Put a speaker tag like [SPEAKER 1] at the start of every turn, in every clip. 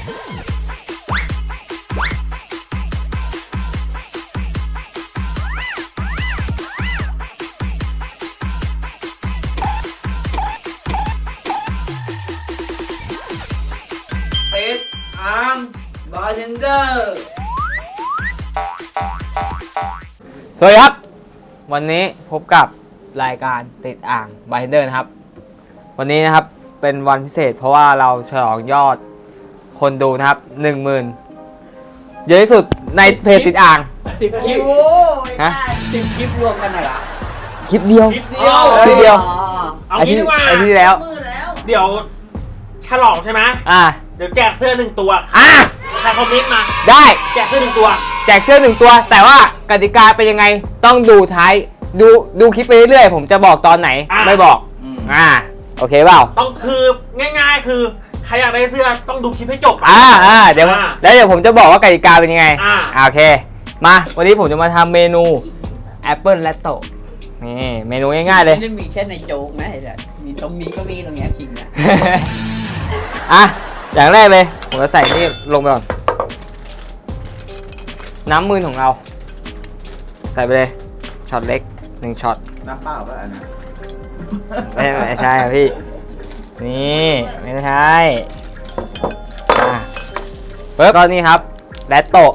[SPEAKER 1] เป็ดอาร์มบาร์เทนเดอร์สวัสดีครับวันนี้พบกับรายการติดอ่างบาร์เทนเดอร์นะครับวันนี้นะครับเป็นวันพิเศษเพราะว่าเราฉลองยอดคนดูนะครับ 10,000 เยอะที่สุดในเพจติดอ่าง
[SPEAKER 2] 10 คลิปฮะ10 คลิปรวมกันเหรอ
[SPEAKER 1] คลิปเดียวคลิปเดียว
[SPEAKER 3] เอางี้ดีกว่า
[SPEAKER 1] ไอ้ที่แล้ว
[SPEAKER 3] เดี๋ยวฉลองใช่ไหมเดี๋ยวแจกเสื้อ1 ตัวใครคอมเมนต์มา
[SPEAKER 1] ได้
[SPEAKER 3] แจกเสื้อ1 ตัว
[SPEAKER 1] แจกเสื้อ1 ตัวแต่ว่ากติกาเป็นยังไงต้องดูท้ายดูคลิปไปเรื่อยๆผมจะบอกตอนไหนไม่บอกโอเคเปล่า
[SPEAKER 3] ต้องคือง่ายๆคือใครอยากได้เสื้อต้องดูคลิปให้จบ
[SPEAKER 1] เดี๋ยวแล้วเดี๋ยวผมจะบอกว่ากติกาเป็นยังไงโอเคมาวันนี้ผมจะมาทำเมนูแอปเปิลแลตโต้นี่เมนูง่ายๆเลย
[SPEAKER 2] ไม่ได้มีแค่ในโจ๊กนะไอ้สัสมีตรงนี้ก็มีตรงนี้จริงนะ
[SPEAKER 1] อย่างแรกเลยผมจะใส่นี่ลงไปก่อนน้ำมือของเราใส่ไปเลยช็อตเล็ก1 ช็อต
[SPEAKER 4] น้ำเปล่าก็อันนั้น
[SPEAKER 1] ไม่ใช่ครับพี่นี่ไม่ใช่ปึ๊บก็นี่ครับแลตโต้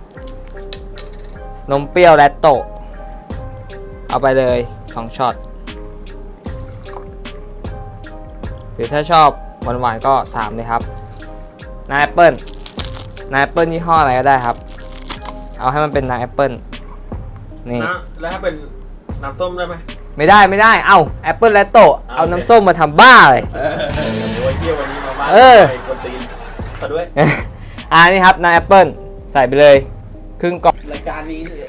[SPEAKER 1] นมเปรี้ยวแลตโต้เอาไปเลย2 ช็อตหรือถ้าชอบหวานๆก็3เลยครับน้ำแอปเปิ้ลยี่ห้ออะไรก็ได้ครับเอาให้มันเป็นน้ำแอปเปิ้ลนี่
[SPEAKER 3] แล้วถ้าเป็นน้ำส้มได้ไหม
[SPEAKER 1] ไม่ได้เอ้าแอปเปิ้ลแลตโต้เอาน้ำส้มมาทำบ้าเลย
[SPEAKER 3] โอ้ยเที่ยววันนี้มาบ้านไปกวนตีนซะด้วย
[SPEAKER 1] นี่ครับน้ำแอปเปิ้ลใส่ไปเลยครึ่งกล่อง
[SPEAKER 2] รายการนี้เลย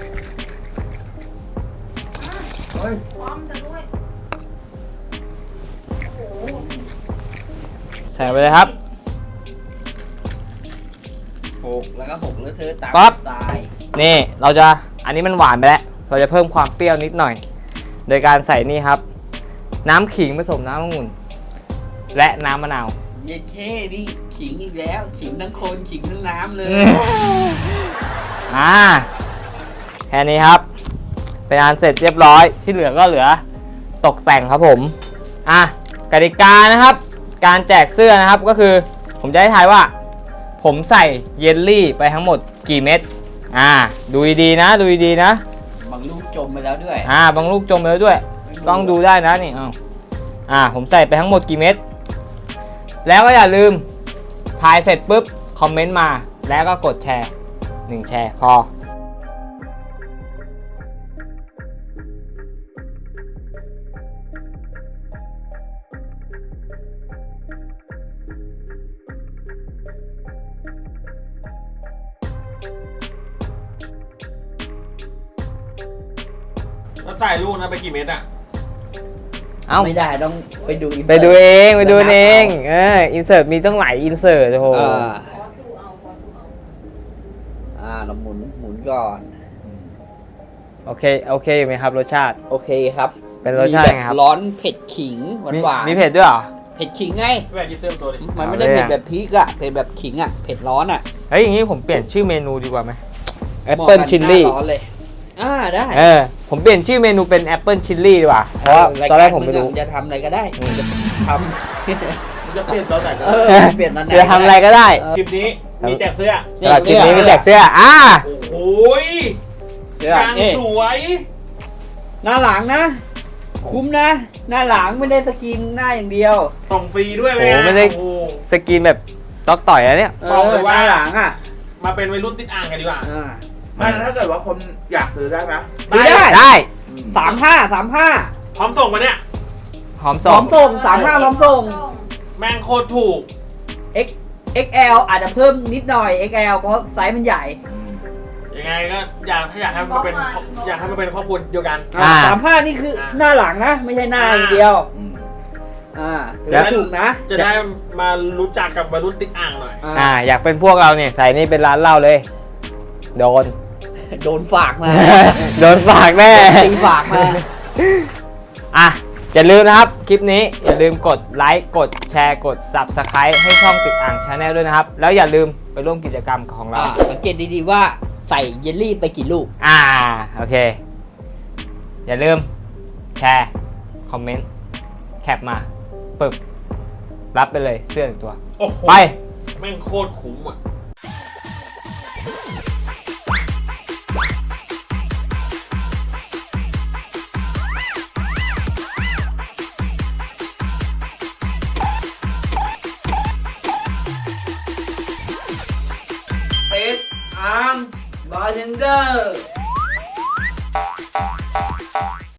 [SPEAKER 1] ใส่ไปเลยครับ
[SPEAKER 2] 6แล้วก็6แล้วเธอตาย
[SPEAKER 1] นี่อันนี้มันหวานไปแล้วเราจะเพิ่มความเปรี้ยวนิดหน่อยโดยการใส่นี่ครับน้ำขิงผสมน้ำองุ่นและน้ำมะนาว
[SPEAKER 2] เย็ดเท่นี่ขิงอีกแล้วขิงทั้งคนขิงทั้งน้ำเลย
[SPEAKER 1] แค่นี้ครับเป็นอันเสร็จเรียบร้อยที่เหลือก็เหลือตกแต่งครับผมกติกานะครับการแจกเสื้อนะครับก็คือผมจะให้ทายว่าผมใส่เยลลี่ไปทั้งหมดกี่เม็ดดูดีๆนะ
[SPEAKER 2] บางลูกจมไปแล้วด้วย
[SPEAKER 1] บางลูกจมไปแล้วด้วยต้องดูได้นะนี่ผมใส่ไปทั้งหมดกี่เม็ดแล้วก็อย่าลืมทายเสร็จปุ๊บคอมเมนต์มาแล้วก็กดแชร์1 แชร์พอ
[SPEAKER 3] ใส่ลูกนะไปกี่เม็ด
[SPEAKER 2] ไม่ได้ต้องไปดู
[SPEAKER 1] เองอินเสิร์ตมีต้องหลายอินเสิร์ตโอ้โห
[SPEAKER 2] เราหมุนก่อน
[SPEAKER 1] โอเคอยู่ไหมครับรสชาติ
[SPEAKER 2] โอเคครับ
[SPEAKER 1] เป็นรสชาติไงครับ
[SPEAKER 2] ร้อนเผ็ดขิงหวาน
[SPEAKER 1] มีเผ็ดด้วยเหรอ
[SPEAKER 2] เผ็ดขิงไง
[SPEAKER 3] แม่กินเสื้อตัวดิ
[SPEAKER 2] มันไม่ได้เผ็ดแบบพริกอะเผ็ดแบบขิงอะเผ็ดร้อนอะ
[SPEAKER 1] เฮ้ยอย่างนี้ผมเปลี่ยนชื่อเมนูดีกว่าไหมแอปเปิลชิลลี่
[SPEAKER 2] ได้
[SPEAKER 1] ผมเปลี่ยนชื่อเมนูเป็นแอปเปิลชิลลี่ดีกว่าเพราะตอนแรกผมไม่รู้
[SPEAKER 2] จะทำอะไรก็ได้ท
[SPEAKER 4] ำจะเปลี่ยนตอนไหนก็
[SPEAKER 2] เปลี่ยนตอนไหน
[SPEAKER 1] จะทำอะไรก็ได้
[SPEAKER 3] คลิปนี้มีแจกเสื้อ
[SPEAKER 1] คลิปนี้มีแจกเสื้อ
[SPEAKER 3] โอ้ยยังสวย
[SPEAKER 2] หน้าหลังนะคุ้มนะหน้าหลังไม่ได้สกินหน้าอย่างเดียว
[SPEAKER 3] ส่งฟรีด้วยไหม
[SPEAKER 1] ไม่ได้สกินแบบต๊อกต่อยอะไรเนี่ย
[SPEAKER 3] บอกเลยว่าหลังมาเป็นวัยรุ่นติดอ่างกันดีกว่า
[SPEAKER 4] ถ้าเกิดว่าคนอยากซื้อได้ไหม
[SPEAKER 1] ได้
[SPEAKER 2] 35
[SPEAKER 3] พร้อมส่งมาเนี่ย
[SPEAKER 1] พร้อมส่ง
[SPEAKER 2] 35พร้อมส่ง
[SPEAKER 3] แม่งโคตรถูก
[SPEAKER 2] XL อาจจะเพิ่มนิดหน่อย XL เพราะไซส์มันใหญ่
[SPEAKER 3] ยังไงก็อยากให้มันเป็นครอบครัวเดียวกัน
[SPEAKER 2] 35นี่คือหน้าหลังนะไม่ใช่หน้าอย่างเดียว
[SPEAKER 3] แล้วถูกนะจะได้มารู้จักกับวัยรุ่นติดอ่างหน่อย
[SPEAKER 1] อยากเป็นพวกเราเนี่ยใส่นี่เป็นร้านเหล้าเลยโดน
[SPEAKER 2] ฝากมา
[SPEAKER 1] โดนฝากแม่
[SPEAKER 2] ตีฝากมา
[SPEAKER 1] อย่าลืมนะครับ คลิปนี้อย่าลืมกดไลค์กดแชร์กด Subscribe ให้ช่องติดอ่างชาแนลด้วยนะครับ แล้วอย่าลืมไปร่วมกิจกรรมของเรา
[SPEAKER 2] สังเกตดีๆว่าใส่เยลลี่ไปกี่ลูก
[SPEAKER 1] โอเค อย่าลืมแชร์ คอมเมนต์ แคปมาปึบรับไปเลยเสื้อ1ตัว
[SPEAKER 3] โอ้โห
[SPEAKER 1] ไป
[SPEAKER 3] แม่งโคตรคุ้มอ่ะ
[SPEAKER 1] ติดอ่างบาร์เทนเดอร์